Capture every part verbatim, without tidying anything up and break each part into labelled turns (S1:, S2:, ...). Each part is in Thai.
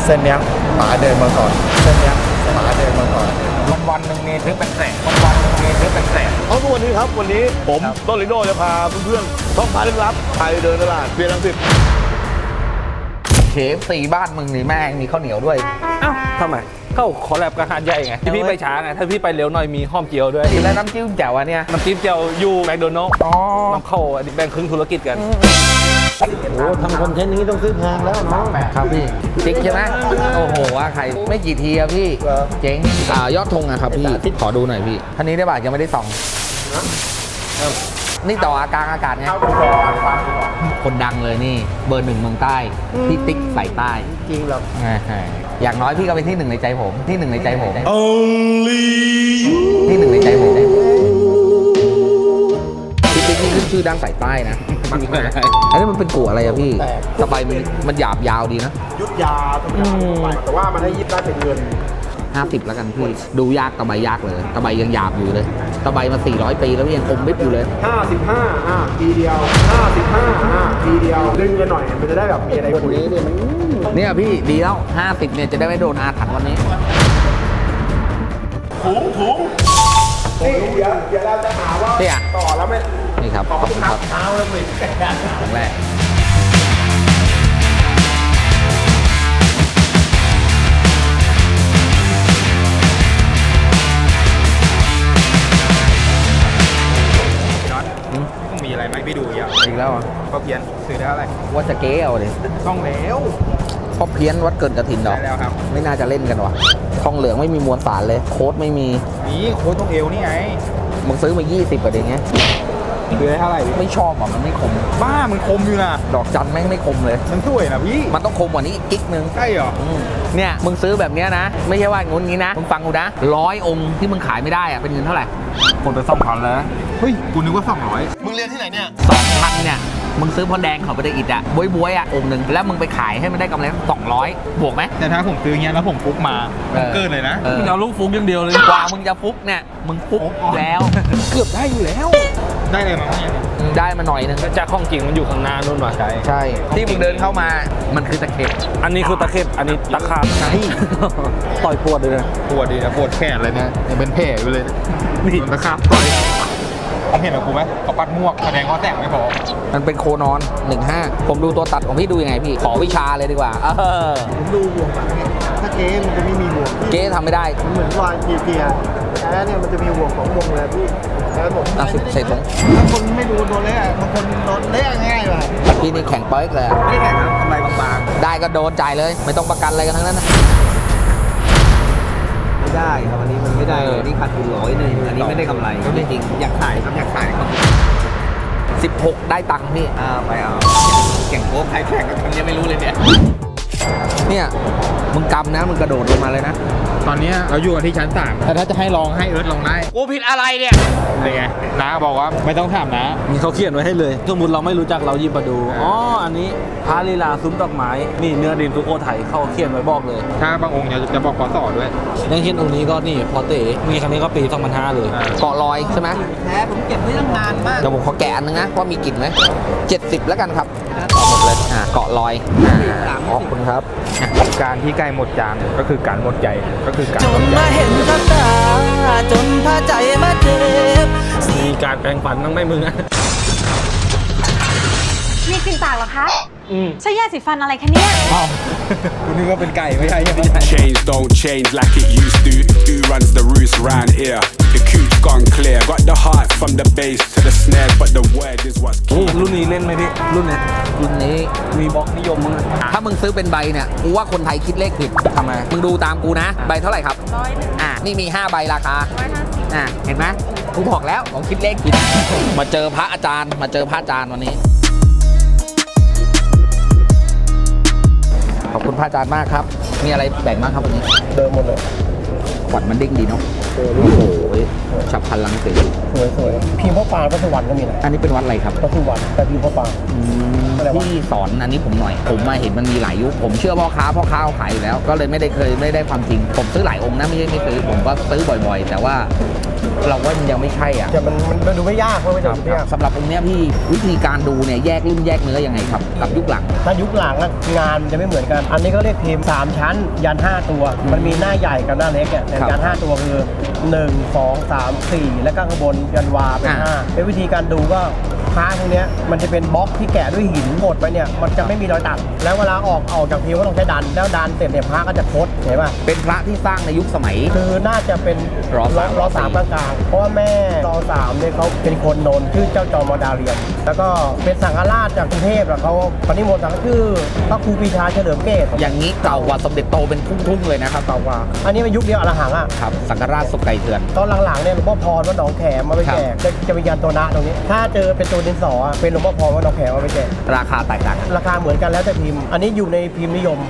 S1: ส้นเนี้ยป๋าเดินมาก่อนเส้นเนี้ยป๋าเดินมาก่อน
S2: วันวันหนึ่งมีซื้อเป็นแสนวันวันหนึ่งมีซื้อเป็นแสน
S3: เอาทุกวันนี้ครับวันนี้ผมต้นลิโน่จะพาเพื่อนๆท่องพาเรื่องลับไปเดินตลาดเพียงลังสิต
S4: เคฟซีบ้านมึงนี่แม่งมีข้าวเหนียวด้วย
S2: อ้าวทำไมเข้าขอแลบกับหาดใหญ่ไงที่พี่ไปช้าไงถ้าพี่ไปเร็วหน่อยมีห้อมเจียวด้วย
S4: กินแล้วน้ำจิ้มแจ่วอันเนี้ย
S2: น้ำจิ้มเจียวอยู่แมคโดนัลด์
S4: อ๋อ
S2: น้ำเข้าอันนี้แบ่งครึ่งธุรกิจกัน
S1: โอ้ทำคอนเทนต์นี้ต้องซื้อแพงแล้วเนาะ
S4: ครับพี่ติ๊กใช่ไหมโอ้โหว่าใครไม่กี่ทีอะพี่เจ๋งอ่ายอดธงอะครับพี่ขอดูหน่อยพี่ท่านนี้ได้ป่ะยังไม่ได้ส่องนี่ต่ออากาศอากาศไงคนดังเลยนี่เบอร์หนึ่งเมืองใต้พี่ติ๊กใส่ใต้
S1: จริงหรอ
S4: อย่างน้อยพี่ก็เป็นที่หนึ่งในใจผมที่หนึ่งในใจผมที่หนึ่งในใจผมพี่ติ๊กนี่ขึ้นชื่อด้านสายใต้นะอันนี้มันเป็นกัวอะไรอะพี่ตะไบมันมันหยาบยาวดีนะ
S1: ยุดยาทุกอย่างไปแต่ว่ามันได้ยิบได้เป็นเงิน
S4: ห้าสิบแล้วกันพี่ดูยากตะไบยากเลยตะไบยังหยาบอยู่เลยตะไบมาสี่ร้อยปีแล้วยังคมมิดอยู่เลย
S1: ห้าสิบห้าอ่ะทีเดียวห้าสิบห้าอ่ะทีเดียวดึงกันหน่อยมันจะได้แบบมีอะไรคุยเนี่ยมัน
S4: เนี่ยพี่ดีแล้วห้าสิบเนี่ยจะได้ไม่โดนอาถรรพ์วันนี้
S1: ถุงถุงนี่เดี๋ยวเดี๋ยวเราจะหาว่า
S4: เนี่ย
S1: ต่อแล้วไม่
S4: นี่ครับขอบคุณครับ
S1: เท้าแล้วไม่
S4: ครั้งแรก
S2: ต้องมีอะไรไหมพี่ดูอย่าง
S4: อีกแล้วอ่ะ
S2: ก็เพียนซื้อได้อะไร
S4: ว่าจะเก๊เอาเลย
S2: ต้องแล้ว
S4: เพราะเพี้ยนวัดเกินกระถินดอก
S2: ได้แล้วครับ
S4: ไม่น่าจะเล่นกันว่ะทองเหลืองไม่มีมวลสารเลย โค้ดไม่มี
S2: นี่โค้ดต้องเอวนี่ไง
S4: มึงซื้อมายี่สิบกว่าเองไง
S2: ซื้อได้เท่าไหร่
S4: ไม่ชอบอ่ะมันไม่คม
S2: บ้ามันคมอยู่นะ
S4: ดอกจันแม่งไม่คมเลย
S2: มันสวยนะพี่
S4: มันต้องคมกว่านี้อีกกิ๊กนึง
S2: ใช่เหรอ
S4: อืมเนี่ยมึงซื้อแบบเนี้ยนะ ไม่ใช่ว่างุนงี้นะมึงฟังกูนะร้อยองค์ที่มึงขายไม่ได้อ่ะเป็นเงินเท่าไหร่
S2: คนไปสองพันแล้วเฮ้ยกูนึกว่าสองร้อย
S3: มึงเรียนที่ไหนเนี่ย
S4: สองพันเนี่ยมึงซื้อพอแดงเขาไปได้อิดอ่ะบวยบวยๆอ่ะองค์หนึ่งแล้วมึงไปขายให้มันได้กำไรสองร้อยบวกไหม
S2: แต่ถ้าผมซื้อเงี้ยแล้วผมฟุกมา
S4: เออ
S2: เกินเลยนะ
S4: เออ
S2: มึงเอาลูกฟุกอย่างเดียวเลย
S4: กว่ามึงจะฟุกเนี่ยมึงฟุกแล้ว เกือบได้อยู่แล้ว
S2: ได้เลยมั้งเนี่ย
S4: อืมได้มาหน่อยนึง
S2: จากข้องจริงมันอยู่ข้างหน้านู่นว่ะใช่
S4: ใช่ที่มึงเดินเข้ามามันคือตะเข็บ
S2: อันนี้คือตะเข็บอันนี้ตะขาบ
S4: ใช่
S2: ต่อยปวดเลยนะปวดดีนะปวดแขนเลยเนี่ยยังเป็นแผลไปเลยนี่ตะขาบต่อยเห็นกับกูไหมเขาปัดม่วงแสดงว่าแสงไม่พอ
S4: มันเป็นโคนอนหนึ่งห้าผมดูตัวตัดของพี่ดูยังไงพี่ขอวิชาเลยดีกว่าเออ
S1: ผมดูห่วงหลังเนี่ยถ้าเก๊มันจะไม่มีห่วง
S4: เก๊ทำไม่ได้
S1: มันเหมือนวางเกียร์แท้เนี่ยมันจะมีห่วงของวงเลยพี่แท้ผม
S4: อ่ะใส่ถุง
S1: ถ้าคนไม่ดูโดนเละบางคนโดนเละง่ายว่ะ
S4: พี่นี่แข็งเป๊กเลยอะ
S1: ไม่แข่งครับทำไมบาง
S4: ได้ก็โดนจ่ายเลย ไม่ต้องประกันอะไรกันทั้งนั้นนะ
S5: ไม่ได้ครับอันนี้มันไม่ได้เลยนี่ขาดทุนร้อยหนึ่งอันนี้ไม่ได้กำไรจริงๆอยากขายครับอยากขายครับ
S4: สิบหกได้ตังค์พี่
S5: อ่าไปเอาแข่งโค้กใครแข่งกันทำยังไม่รู้เลยเนี่ย
S4: เนี่ยมึงกำนะมึงกระโดดลงมาเลยนะ
S2: ตอนนี้เราอยู่กันที่ชั้นสามแต่ถ้าจะให้ลองให้เอิร์ธลองได้
S5: กูผิดอะไรเนี่ย
S2: เป็นไงน้าบอกว่าไม่ต้องถามนะมีเขาเขียนไว้ให้เลยสมมติเราไม่รู้จักเราหยิบมาดูอ๋ออันนี้พระลีลาซุ้มดอกไม้นี่เนื้อดินสุโขทัยเขาเขียนไว้บอกเลยถ้าบางองค์จะจะบอกพศด้วยอย่างเช่นองค์นี้ก็นี่พอเต๋มีครั้งนี้ก็ปีสองพันห้าเลย
S4: เกาะลอยใช่ไหม
S5: แพ้ผมเก็บไว้ตั้งนานมาก
S4: เดี๋ยวผมขอแกะอันนึงนะว่ามีกลิ่นไหมเจ็ดสิบแล้วกันครับต่อหมดเลยอ่าเกาะลอยอ่าขอบคุณครับอ่ะ
S2: การที่ไก่หมดจานก็คือการหมดใจก็คือการ
S6: จ
S2: หม
S6: น
S2: ดใจ
S6: มาเห็นกับตาจนพาใจมาเจ็บ
S2: มีการแปลงฟันต้องไม่มึงอะ
S7: มีกลิ่นปากเหรอคะ
S2: อืม
S7: ใช้ยาสีฟันอะไรคะเนี่ย
S2: อ้าวคุณนึกว่าเป็นไก่ไม่ใช่ไม่ใช่
S8: Change don't change like it used to. Who runs the roost round here? The cooch gone clear. Got the heart from the bass to the snare, but the word is what's
S2: โอ้
S8: key.
S2: รุ่นนี้เล่นไหมพี่รุ่นเนี้ย
S4: รุ่นนี้
S2: มีบล็อกนิยมมั้งอะ
S4: ถ้ามึงซื้อเป็นใบเนี่ยกูว่าคนไทยคิดเลขผิด
S2: ทำไม
S4: มึงดูตามกูนะ ใบเท่าไหร่ครับร้อยอ่านี่มีห้าใบราคาร้อยห้าสิบอ่าเห็นไหมกูบอกแล้วผมคิดเลขผิด มาเจอพระอาจารย์มาเจอพระอาจารย์วันนี้ ขอบคุณพระอาจารย์มากครับ มีอะไรแบ่งบ้างครับวันนี้
S1: เดิมหมดเลย
S4: ขวัญมันเด้งดีเนาะโอ้โหฉับพลังสี
S1: สวยสวยพิมพ์พ่อปานพระสุวรรณก็มีนะ
S4: อันนี้เป็นวัดอะไรครับ
S1: พระสุวรรณแต่พิมพ์พ่อปาน
S4: พี่สอนอันนี้ผมหน่อย ผมมาเห็นมันมีหลายยุคผมเชื่อพ่อค้าพ่อค้าเขาขายอยู่แล้ว ก็เลยไม่ได้เคยไม่ได้ความจริง ผมซื้อหลายองค์นะไม่ใช่ไม่ซื้อผมก็ซื้อบ่อยๆ แต่ว่าเราว่ามันยังไม่ใช่อ่ะ
S1: แต่มันมันดูไม่ยากเพราะไม่จำเป็นยาก
S4: สำหรับองค์เนี้ยพี่วิธีการดูเนี่ยแยกรุ่นแยกเนื้อยังไงครับกับยุคหลัง
S1: ถ้ายุคหลังอะงานมันจะไม่เหมือนกัน อันนี้ก็เรียกพิมพ์สามชั้น ยันห้าตัว มันมีหน้าใหญ่กับหน้าเล็กเนี่ยแต่
S4: ครับ
S1: ยันห้าตัวคือหนึ่ง สอง สาม สี่แล้วก็ข้างบนยันวาเป็น
S4: อ่า
S1: ห้าเป็นวิธีการดูก็พระพวกเนี้ยมันจะเป็นบล็อกที่แกะด้วยหินบดไปเนี่ยมันจะไม่มีรอยตัดแล้วเวลาออกออกจากพิมพ์ก็ต้องใช้ดันแล้วดันเสร็จเนี่ยพระก็จะคดเห็นป่ะ
S4: เป็นพระที่สร้างในยุคสมัย
S1: คือน่าจะเป็น
S4: รอสาม
S1: รอสามกลางๆเพราะว่าแม่รอสามเนี่ยเขาเป็นคนโนนชื่อเจ้าจอมดาเรียน แล้วก็เป็นสังฆราชจากกรุงเทพแล้วเขาปณิมนต์สังฆชื่อพระครูปรีชาเฉลิมเกต
S4: อย่างนี้เก่ากว่าสมเด็จโตเป็นทุ่งๆเลยนะครับ
S1: เก่ากว่าอันนี้เป็นยุคเดียวอรหังอ่ะ
S4: ครับสังฆราชสุกไก่เถื่อน
S1: ตอนหลังๆเนี่ยหลวงพ่อพรวัดหนองแขมมาไปแจกจะจะมียันตัวนะตรงนี้ ถ้าเจอเป็นตัวดินสออะเป็นหลวงพ่อพรวัดหนองแขมมาไปแจก
S4: ราคาแตกต่างกัน
S1: ราคาเหมือนกันแล้วแต่พิมพ์ อันนี้อยู่ในพิมพ์นิยม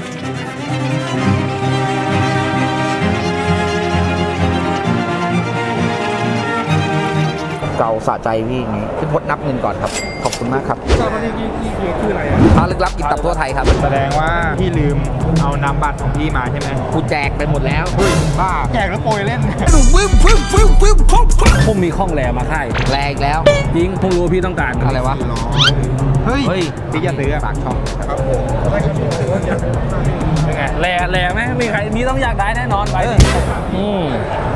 S4: เก่าสะใจพี่อย่างนี้พี่พจน์นับเงินก่อนครับขอบคุณมากครับ
S2: ตอนนี้พี่พี่คืออะไรอ่ะ
S4: พระลึกลับกินตับทั่วไทยครับ
S2: แสดงว่าพี่ลืมเอานามบัตรของพี่มาใช่ไหม
S4: กูแจกไปหมดแล้ว
S2: เฮ้ยบ้าแจกแล้วโปรยเล่น
S9: ผมมีข้องแหลมาค่าย
S4: แรงอีกแล้ว
S9: จริงผมรู้ว่าพี่ต้องการ
S4: อะไรวะ
S2: เฮ้ย
S4: เฮ้ย
S2: พี่จะซื้อ
S4: ฝากช่อง
S9: เป็นไงแหลแหลไหมมีใครมีต้องอยากได้แน่นอนไปดิอืม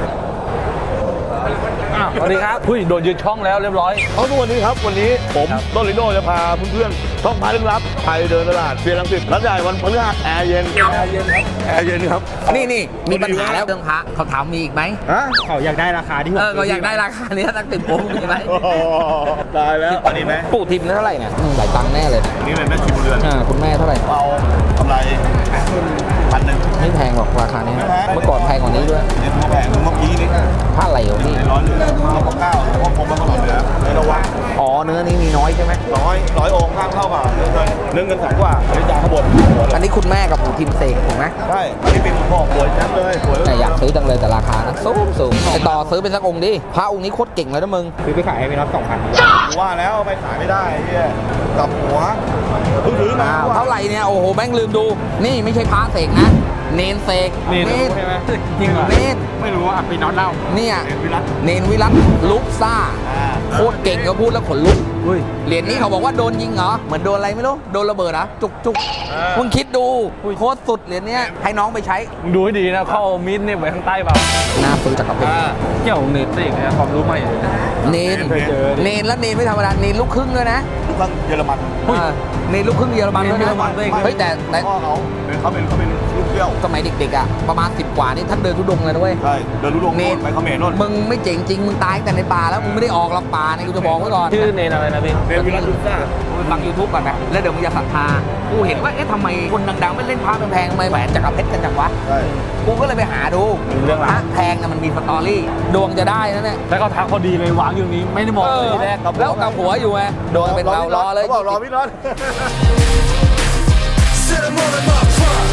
S9: อ้าวสวัสดีครับหุ้ยโดนยืนช่องแล้วเรียบร้อย
S3: เอาทุกวันนี้ครับวันนี้ผมต้นลิโดจะพาเพื่อนๆท่องพาลึกลับไปเดินตลาดเฟียรังสิตร้านใหญ่วันพฤหัสแอร์เย็นแอร์เย็นครับแอร์เย็นครับ
S4: นี่นี่มีปัญหาแล้วเรื่องพระเขาถามมีอีกไหม
S2: ฮะเขาอยากได้ราคาที่
S4: เออก็อยากได้ราคานี้ตั้งติดผมมีไหม
S3: ตายแล้วอันนี้ไหม
S4: ปู่ทิมเท่าไหร่เนี่ยอืมหลายตังค์แน่เลย
S3: นี่เลยแม่ชิมเรือน
S4: อ่าคุณแม่เท่าไหร่
S3: เอากำไรพันหนึ่ง
S4: ไม่แพงหรอกราคานี้
S3: ไม่แพง
S4: เมื่อก่อนแพงกว่านี้ด้วย
S3: เนี่ยตัวแพงตัวเมื่อกี้นี่
S4: ผ้าไหลของพี่
S3: ในร้อยเหลือร้อยเก้าเพราะผมมันก็หล่นเหลือในระวัง
S4: อ๋อเนื้อนี้มีน้อยใช่ไหม
S3: ร้อยร้อยองค์ข้างเท่ากับเนื้อเงินเนื้อเงินแสนกว่าบริจาคข้างบนหัวเล
S4: อัน
S3: ย
S4: นี้คุณแม่กับปู่ทิมเสกถูกไหม
S3: ใช่อันนี้เป็นพ่อสวยจังเลยสวย
S4: แต่อยากซื้อจังเลยแต่ราคานะสูงสูงไอต่อซื้อเป็นสักองค์ดิพระองค์นี้โคตรเก่งเลยนะมึง
S2: ซื้อไปขายให้พี่น็อตสองพัน
S3: ว่าแล้วไปขายไม่ได้เฮียกลับหัวเพิ่งถือมา
S4: อ้าวเท่าไหร่เนี่ยโอ้โหแม่งลืมดู นี่ไม่ใช่พระเสกนะ เนนเสก
S2: นี่รู้ใช่ไหมจริงเหรอ
S4: เนน
S2: ไม่รู้อ่ะพี่น็อตเล่า
S4: เนี่ย
S3: เห็นวิรัต
S4: เนนวิรัตลุกซ่า
S3: อ่า
S4: โคตรเก่งเขาพูดแล้วขนลุก
S9: อุ้ย
S4: เหรียญนี้เขาบอกว่าโดนยิงเหรอ เหมือนโดนอะไรไม่รู้ โดนระเบิดเหรอจุกจุกมึงคิดดูโคตรสุดเหรียญเนี้ยให้น้องไปใช้
S9: มึงดูให้ดีนะเข้ามิดเนี่ยไว้ข้างใต้เปล่า
S4: หน้าปืนจักรพรรดิ
S9: เกี่ยวเน็ตเองเนี่ยความรู้ใหม่
S4: เนนเนนแล้วเนนไม่ธรรมดาเนนลูกครึ่งด้วยนะ
S3: ลูกครึ่งเยอรมัน
S4: อ่าเนนลูกครึ่งเยอรมันด้วยนะเฮ้ยแต่แต่
S3: พ่อเขาเป็นเขาเป็นเขาเป็นลูกเที่ยว
S4: สมัยเด็กๆอ่ะประมาณสิบกว่านี่ท่านเดินทุดงเลยนะเว้ย
S3: ใช่เดินรู้ลงโน่นไปเขมรโน่น
S4: มึงไม่เจ๋งจริงมึงตายตั้งแต่ในป่าแล้วมึงไม่ได้ออกหรอกป่าเนี่ยกูจะบอกไว้ก่อน
S9: ชื่อเนนอะไรนะพี่
S3: เรียนวิรัตลุซ่า
S4: ไปฟัง ยูทูบ ก่อนนะแล้วเดี๋ยวมึงจะศรัทธากูเห็นว่าเอ๊ะทำไมคนดังๆไม่เล่นพระแพงๆทำไมแหวนจักรเพชรกันจังวะ
S3: ใช่
S4: กูก็เลยไปหาดู
S9: เรื่อง
S4: พ
S9: ราว
S4: ระแพงนะมันมีสตอรี่ดวงจะได้นะเนี่ย
S9: แล้วเขาทักพอดีเลยวางอยู่นี้ไม่ได้มองเลยทีแรก
S4: แล้วกับหัวอยู่ไงดวงเป็นเรารอเลย
S3: เขาบอกรอพี่น็อต
S8: Set 'em all in my prime.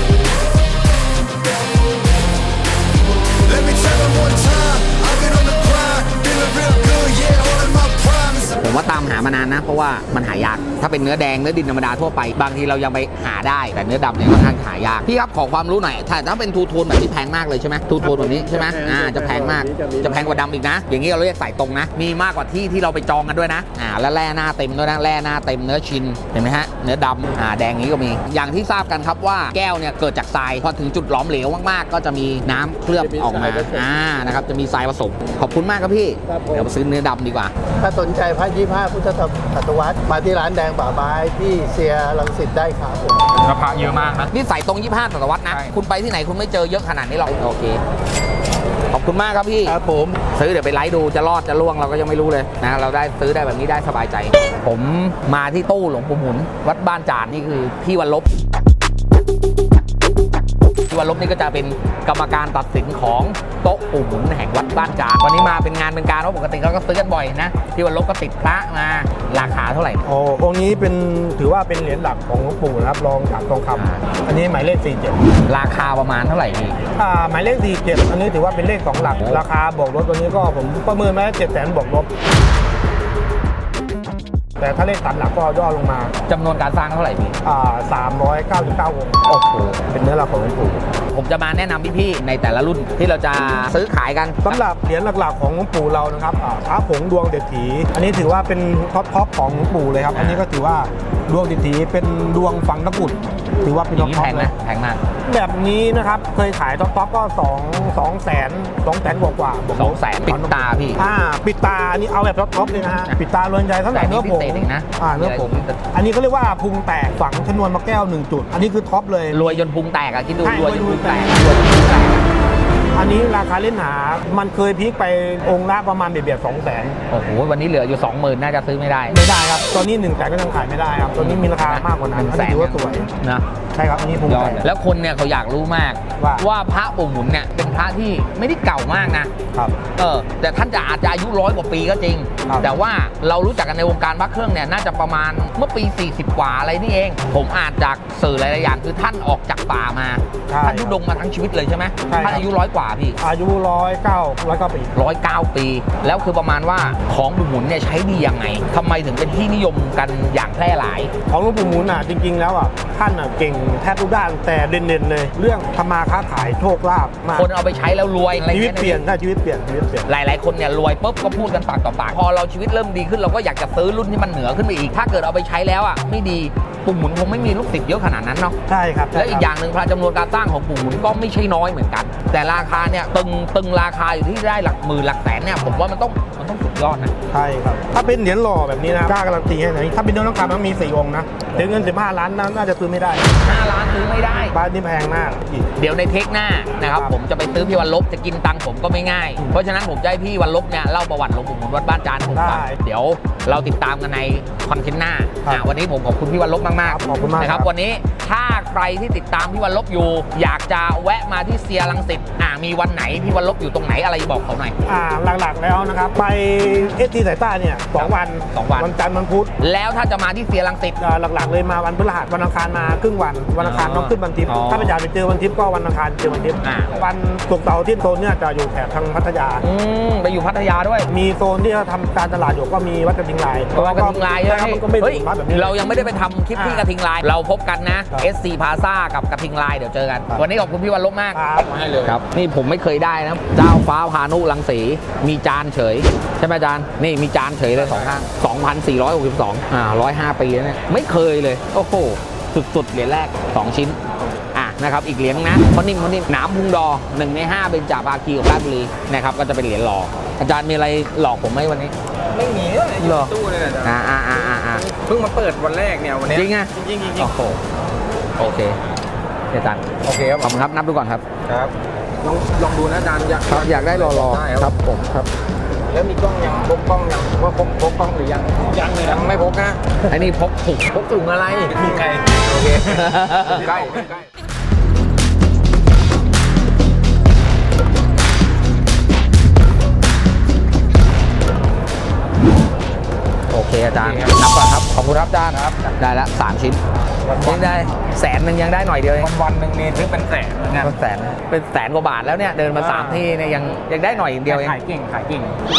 S8: Let me tell 'em one time. I've been on the grind, feeling real good, yeah, all in my prime.
S4: ผมว่าตามหามานานนะเพราะว่ามันหายากถ้าเป็นเนื้อแดงเนื้อดินธรรมดาทั่วไปบางทีเรายังไปหาได้แต่เนื้อดำเนี่ยค่อนข้างหายากพี่ครับขอความรู้หน่อยถ้าถ้าเป็นทูโทนแบบนี้แพงมากเลยใช่ไหมทูโทนแบบนี้ใช่ไหมอ่าจะแพงมากจะแพงกว่าดำอีกนะ อย่างนี้เราเรียกสายตรงนะมีมากกว่าที่ที่เราไปจองกันด้วยนะอ่าแล้วแร่หน้าเต็มด้วยนะแร่หน้าเต็มเนื้อชินเห็นไหมฮะเนื้อดำอ่าแดงนี้ก็มีอย่างที่ทราบกันครับว่าแก้วเนี่ยเกิดจากทรายพอถึงจุดหลอมเหลวมากๆก็จะมีน้ำเคลือบออกมาอ่านะครับจะมีทรายผสมขอบคุณมากครับพี่เดี๋ยวไปซื้อเนื้อดำดีกว่า
S1: ถ้าสนใจพระยี่ห้าพุทธศตวรรษมาที่ร้านแดงป่าไม้ที่เซียรังสิตได้ครับผม
S2: ราคาเยอะมากนะ
S4: นี่ใส่ตรงยี่สิบห้าศตวรรษนะ
S2: ใช่
S4: คุณไปที่ไหนคุณไม่เจอเยอะขนาดนี้หรอก โอเค ขอบคุณมากครับพี่
S1: ครับผม
S4: ซื้อเดี๋ยวไปไลฟ์ดูจะรอดจะล่วงเราก็ยังไม่รู้เลยนะ เราได้ซื้อได้แบบนี้ได้สบายใจ ผมมาที่ตู้หลวงปู่หมุน วัดบ้านจานนี่คือพี่วันลบพี่วันวันลบนี่ก็จะเป็นกรรมการตัดสินของโต๊ะปู่หมุนแห่งวัดบ้านจานวันนี้มาเป็นงานเป็นการเพราะปกติเขาก็ซื้อกันบ่อยนะพี่วันลบก็ติดพระมาราคาเท่าไหร่
S1: โอ้องค์นี้เป็นถือว่าเป็นเหรียญหลักของหลวงปู่นะครับรองจากทองคำอันนี้หมายเลขสี่สิบเจ็ด
S4: ราคาประมาณเท่าไหร่พี่
S1: อ่าหมายเลขสี่สิบเจ็ดอันนี้ถือว่าเป็นเลขสองหลักราคาบวกลบตัวนี้ก็ผมประเมินไว้เจ็ดแสนบวกลบแต่ถ้าเลขสามหลักก็ย่อลงมา
S4: จำนวนการสร้างเท่าไหร่พี่
S1: อ่าสามร้อยเก้าสิบเก้าองค์
S4: โอ้โห
S1: เป็นเนื้อหลักของหลวงปู่
S4: ผมจะมาแนะนำพี่ๆในแต่ละรุ่นที่เราจะซื้อขายกัน
S1: สำหรับเหรียญหลักๆของหลวงปู่เรานะครับอ่าพระผงดวงเด็ดถีอันนี้ถือว่าเป็นท็อปท็อปของหลวงปู่เลยครับอันนี้ก็ถือว่าดวงเด็ดถีเป็นดวงฝังตะกรุดถือว่าเป็น
S4: อ
S1: ท็
S4: ย่า
S1: อง ป
S4: นี้
S1: ท็อ
S4: แพ
S1: ป
S4: ง
S1: เล
S4: นะ
S1: ย
S4: แพงมาก
S1: แบบนี้นะครับเคยขายท็อปท็อปก็สองสองแสนสองแสนกว่ากว่าบวก
S4: ส
S1: ล
S4: อบ งแสนปิดตาพี่
S1: อ่าปิดตาอันนี้เอาแบบท็อปท็อปเลยนะฮะปิดตาล้วนใจเท่าไหร่
S4: แต่นี่
S1: เนื้อผง
S4: พิเศษอีกนะ
S1: อ่าเนื้อผงอันนี้เขาเรียกว่าพุงแตกฝังชนวนมะแก้วหนึ่งจุดอันนี้คือท็อปเลย
S4: รวยจนพุงแตกอะคิดดู
S1: ใช่
S4: รวยจนพุงแตก
S1: รวยจนพุงแตก
S4: รวยจนพุงแตกอะ
S1: อันนี้ราคาเล่นหามันเคยพีคไปองค์ละประมาณเบียดๆสองแสน
S4: โอ้โหวันนี้เหลืออยู่สองหมื่นน่าจะซื้อไม่ได้
S1: ไม่ได้ครับตอนนี้หนึ่งแสนก็ยังขายไม่ได้ครับตอนนี้มีราคามากกว่านั้นอันนี้ถือว่าสวย
S4: นะ
S1: ใช่ครับอันนี้พุง
S4: ยอ
S1: แต
S4: ด
S1: ก
S4: แล้วคนเนี่ยเขาอยากรู้มาก
S1: ว่า
S4: ว่าพระปู่หมุนเนี่ยเป็นพระที่ไม่ได้เก่ามากนะครับ เออแต่ท่านจะอาจจะอายุร้อยกว่าปีก็จริง
S1: ครับ
S4: แต่ว่าเรารู้จักกันในวงการพระเครื่องเนี่ยน่าจะประมาณเมื่อปีสี่สิบกว่าอะไรนี่เอง ผมอ่านจากสื่อหลายๆอย่างคือท่านออกจากป่ามา
S1: ใช่
S4: ท่านทุดงมาทั้งชีวิตเลยใช่ไหม
S1: ใช่ครับ
S4: ท่านอายุร้อยกว่าพี่
S1: อายุร้อยเก้าร้อยเก้าปี
S4: ร้อยเก้าปี แล้วคือประมาณว่าของปู่หมุนเนี่ยใช้ดียังไงทำไมถึงเป็นที่นิยมกันอย่างแพร่หลาย
S1: ของหลวงปู่หมุนอ่ะจริงๆแล้วอ่ะท่านอ่ะเก่งแทบทุกด้านแต่เด่นๆเลย เรื่องทำมาค้าขายโชคลาภมาก
S4: คนเอาไปใช้แล้วรวยอะไร
S1: ชีวิต
S4: งี้
S1: เปลี่ยนได้ชีวิตเปลี่ยนชีวิตเปลี่ยน
S4: หลาย ๆ คนเนี่ยรวยปุ๊บก็พูดกันปากต่อปากพอเราชีวิตเริ่มดีขึ้นเราก็อยากจะซื้อรุ่นที่มันเหนือขึ้นไปอีกถ้าเกิดเอาไปใช้แล้วอ่ะไม่ดีปู่หมุนคงไม่มีลูกศิษย์เยอะขนาดนั้นเนาะ
S1: ใช่ครับ
S4: แล้วอีกอย่างหนึ่งพระจำนวนการสร้างของปู่หมุนก็ไม่ใช่น้อยเหมือนกัน แต่ราคาเนี่ยตึงตึงราคาอยู่ที่ได้หลักหมื่นหลักแสนเนี่ยผมว่ามันต้องมันต้องสุดยอดนะ
S1: ใช่ครับถ้าเป็นเหรียญหล่อแบบนี้นะกล้าการันตีให้ไหนถ้าเป็นเนื้อทองคำมันมีสี่องค์นะถึงเงินสิบห้าล้านนั้นน่าจะซื้อไม่ได้
S4: ห้าล้านซื้อไม่ได้
S1: บ้านนี่แพงมากอีก
S4: เดี๋ยวในเทคหน้านะครับ
S1: ครับ
S4: ผมจะไปซื้อพี่วันลบจะกินตังค์ผมก็ไม่ง่าย เพราะฉะนั้นผมจะให้พี่วันลบเนี่ยเล่าประวัติหลวงปู่หมุนวัดบ้านจานให้ผมฟัง
S1: ได้
S4: เดี๋ยวเราติดตามกันในคอนเทนต์หน้า
S1: ครับ
S4: อ่ะวันนี้ผมขอบคุณพี่วันลบมาก
S1: ครับขอบคุณมาก
S4: นะค
S1: ครั
S4: รับบ วันนี้ถ้าใครที่ติดตามพี่วันลบอยู่ อยากจะแวะมาที่เซียรังสิตอ่ะมีวันไหนพี่วันลบอยู่ตรงไหนอะไรบอกเขาหน่อย
S1: อ่าหลักๆแล้วนะครับไปเอสทีสายใต้เนี่ยสองวัน
S4: สองวัน
S1: วันจันทร์วันพุธ
S4: แล้วถ้าจะมาที่เซียรังสิต
S1: อ่าหลักๆเลยมาวันพฤหัสวันอังคารมาครึ่งวันวันอังคาร
S4: อ๋อ
S1: ต้องขึ้นวันทิพย์
S4: อ๋อ
S1: ถ้าไม่อยากไปเจอวันทิพย์ก็วันอังคารเจอวันทิพย์
S4: อ่า
S1: วันศุกร์เสาร์อาที่โซนเนี่ยจะอยู่แถบทางพัทยา
S4: อืมไปอยู่พัทยาด้วย
S1: มีโซนที่เขาทำการตลาดอยู่ก็มีวัดกระทิงลาย
S4: เพราะว่ากระทิงลายใช่ไหม
S1: มันก็ไม่
S4: เฮ้ย
S1: ถึงวัดแบบนี้
S4: เรายังไม่ได้ไปทำคลิปที่กระทิงลาย เราพบกันนะ
S1: ครับ
S4: เอส ซี Plaza กับกระทิงลายเดี๋ยวเจอกัน วันนี้ขอบคุณพี่วันลบมาก
S1: ครับ
S4: ให้เลยครับ นี่ผมไม่เคยได้นะ เจ้าฟ้าพานุรังสี มีจานเฉย ใช่ไหมอาจารย์ นี่มีจานเฉยเลยสองข้างสองพันสี่ร้อยหกสิบสองอ่าหนึ่งร้อยห้าปีแล้วเนี่ย ไม่เคยเลย โอ้โห สุดๆ เหรียญแรก สอง ชิ้น อ่ะนะครับ อีกเหรียญนะเพราะนิ่มเพราะนิ่มหนามพุงดอหนึ่งในห้าเบญจภาคีของราชบุรีนะครับ ก็จะเป็นเหรียญหล่อ อาจารย์มีอะไรหลอกผมไหมวันนี้
S5: ไม่มีเลยอยู่
S4: เหรอ
S5: ในตู้เลยนะจ๊ะ
S4: อ่าอ่าอ่าอ่าอ่า
S5: เพิ่งมาเปิดวันแรกเนี่ยวันเนี้ย
S4: จริงไง
S5: จริงๆจริงๆ
S4: โอ้โหโอเคอาจารย์
S5: โอเคครับ
S4: ขอบคุณครับ นับดูก่อนครับ
S5: ครับลองลองดูนะอาจารย์อยาก
S4: ครับอยากได้รอรอ
S5: ได้
S4: ครับผมครับ
S5: แล้วมีกล้องยังพกกล้องยังว่าพกพกกล้องหรือยังยังเลยยังไม่พกนะ
S4: ไอ้นี่พกถุง
S5: พกถุงอะไรถุงไงโอเคใกล้ใกล้
S4: โอเคอาจารย์นับก่อนครับ ขอบคุณครับอาจารย์ได้ละสามชิ้นยังได้แสนหนึ่งยังได้หน่อยเดียวเอง
S5: วันวันๆหนึ่งนี่ซื้อเป็นแสนนะ
S4: เป็นแสนเป็นแสนกว่าบาทแล้วเนี่ยเดินมาสามที่เนี่ยยังยังได้หน่อยเดียวเอง
S5: ขายเก่งขายเก่ง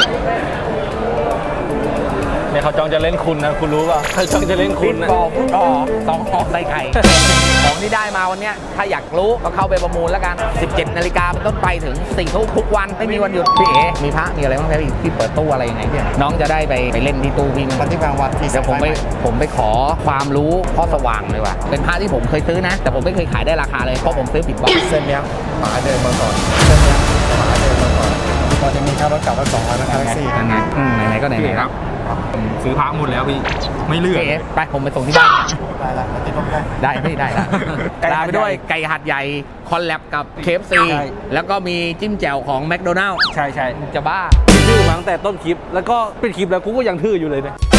S9: เนี่ยเขาจองจะเล่นคุณนะ คุณรู้ป่ะเขาจองจะเล่นคุณนะ
S4: บอลต่อสองต่อใส่ไข่ ของที่ได้มาวันเนี้ยถ้าอยากรู้ก็เข้าไปประมูลแล้วกัน สิบเจ็ดนาฬิกาเป็นต้นไปถึงสี่ทุ่มทุกวันไม่มีวันหยุดพี่เอ๋มีพระมีอะไรบ้างครับพี่ที่เปิดตู้อะไรยังไงพี่น้องจะได้ไปไปเล่นที่ตู้พี่มั้ย
S1: วันที่กลางวันที่
S4: เดี๋ยวผมไปผมไปขอความรู้พ่อสว่างเลยว่ะเป็นพระที่ผมเคยซื้อนะ แต่ผมไม่เคยขายได้ราคาเลยเพราะผมซื้อผิดบอก
S1: เส้นเนี้ยหมาเดินมาก่อนเส้นเนี้ยหมาเดินมาก่อนพอจะมีค่ารถกลับมาสองร้อยนะครัแท็กซี่
S4: นั่นไงอืมไหนๆก็ไหนๆครับ
S9: ผมซื้อพระหมดแล้วพี่ ไม่เหลือ
S4: พี่เอ๋ไปผมไปส่งที่บ้าน
S1: ได้ละมาติดลบได้
S4: ได้พี่ได้ละลาไปด้วยไก่หัดใหญ่คอลแลบกับ เค เอฟ ซี แล้วก็มีจิ้มแจ่วของแมคโดนัลล์
S9: ใช่ใช่
S4: จะบ้า
S9: ทื่อมาตั้งแต่ต้นคลิป แล้วก็ปิดคลิปแล้วกูก็ยังทื่ออยู่เลยเนี่ย